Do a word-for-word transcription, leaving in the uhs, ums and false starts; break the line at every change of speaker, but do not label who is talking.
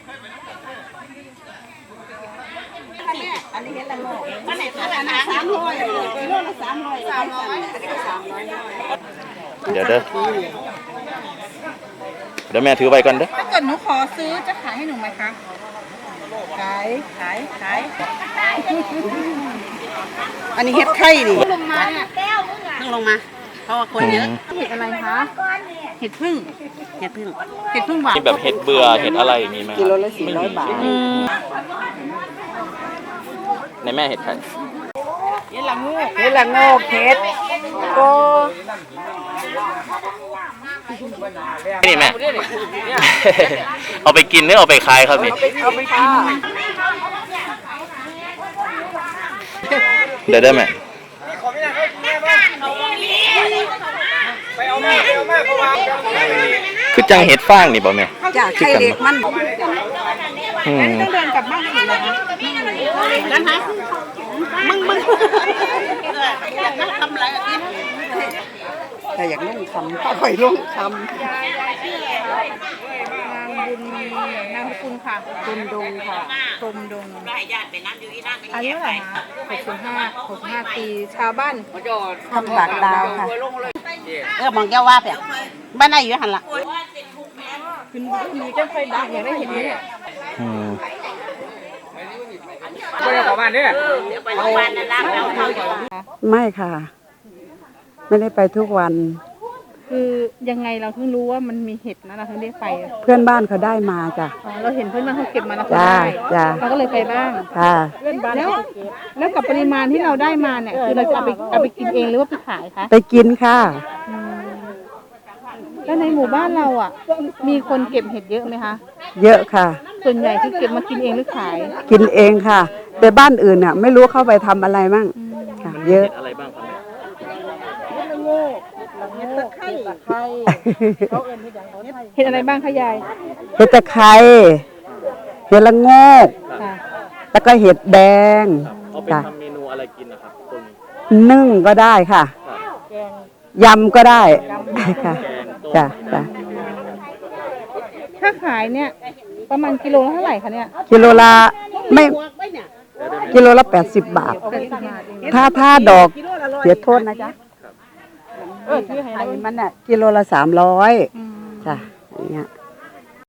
อันนี้เห็ดละโงกอันไหนขนาดสามร้อยกิโลละสามร้อยสามร้อยสามร้อย
เดี๋ยวเด้อเดี๋ยวแม่ถือไว้ก่อนเด้อ
ถ้าเกิดหนูขอซื้อจะขายให้หนูไหมคะขายขายขายอันนี้เห็ดไข่นี่ลงมาเนี่ยต้องลงมาเพราะว่าคนเยอะเห็ดอะไรคะเห็ดพึ่งเห็ดพึ่งเห็ดพึ่งหวาน
มีแบบเห็ดเบื่อเห็ดอะไรมีไหม
กิโลละสี่ร้อยบาท
ในแม่เห็ดไข่
เห็ดละงูเห็ดละงูเห็ดโก
นี่แม่เอาไปกินหรือเอาไปขายครับนี่
เอาไปกิน
เดี๋ยวได้ไหมคือจังเห็ดฟางนี่บ่แม่
จ้ะไข่เด็กมัน
อืม
ต้องเดินกลับบ้านอีกแล้วนั่นฮะมึงมึงอยากนั่งทำอะไรกินแต่อยากนั่งทำก็ค่อยลงทำนางบุญนามคุณค่ะตุมดงค่ะตุมดงอายุเท่าไหร่คะหกสิบห้าหกสิบห้าปีชาวบ้านทำปากดาวค่ะเออมองแก้วว่าเปล่าบ้านไหนอยู่หันละคุณมีเจ้าไฟดังอย่างได้เห็นไหมเนี่ย
ไปกับบ้านเนี่ย
ไม่ค่ะไม่ได้ไปทุกวัน
คือยังไงเราเพิ่งรู้ว่ามันมีเห็ดนะเราถึงได้ไป
เพื่อนบ้านเขาได้มาจ้ะ
เราเห็นเพื่อนบ้านเขาเก็บมาแล้วเขา
ได้
เราก็เลยไปบ้าง
ค่ะ
แล้วแล้วกับปริมาณที่เราได้มาเนี่ยคือเราจะเอาไปเอาไปกินเองหรือว่าไปขายคะ
ไปกินค่ะ
แล้วในหมู่บ้านเราอ่ะมีคนเก็บเห็ดเยอะไหมคะ
เยอะค่ะ
ส่วนใหญ่คือเก็บมากินเองหรือขาย
กินเองค่ะแต่บ้านอื่นเนี่ยไม่รู้เข้าไปทำอะไรมั่งค่ะเยอะ
อะไรบ้างครับ
เห็ดตะไคร้เห็ดอะไรบ้างคะยาย
เห็ดตะไคร้เห็ดละโงกแล้วก็เห็ดแดง
เอาไปทำเมนูอะไรกินนะครับตรง
นี้นึ่งก็ได้ค่ะยำก็ได้ค่ะจ้ะจ้ะ
ถ้าขายเนี่ยประมาณกิโลละเท่าไหร่คะเนี่ย
กิโลละไม่กิโลละแปดสิบบาทถ้าถ้าดอกเสียโทษนะจ๊ะเออที่ให้มันเนี่ยกิโลละสามร้อยจ้ะอย่างเงี้ย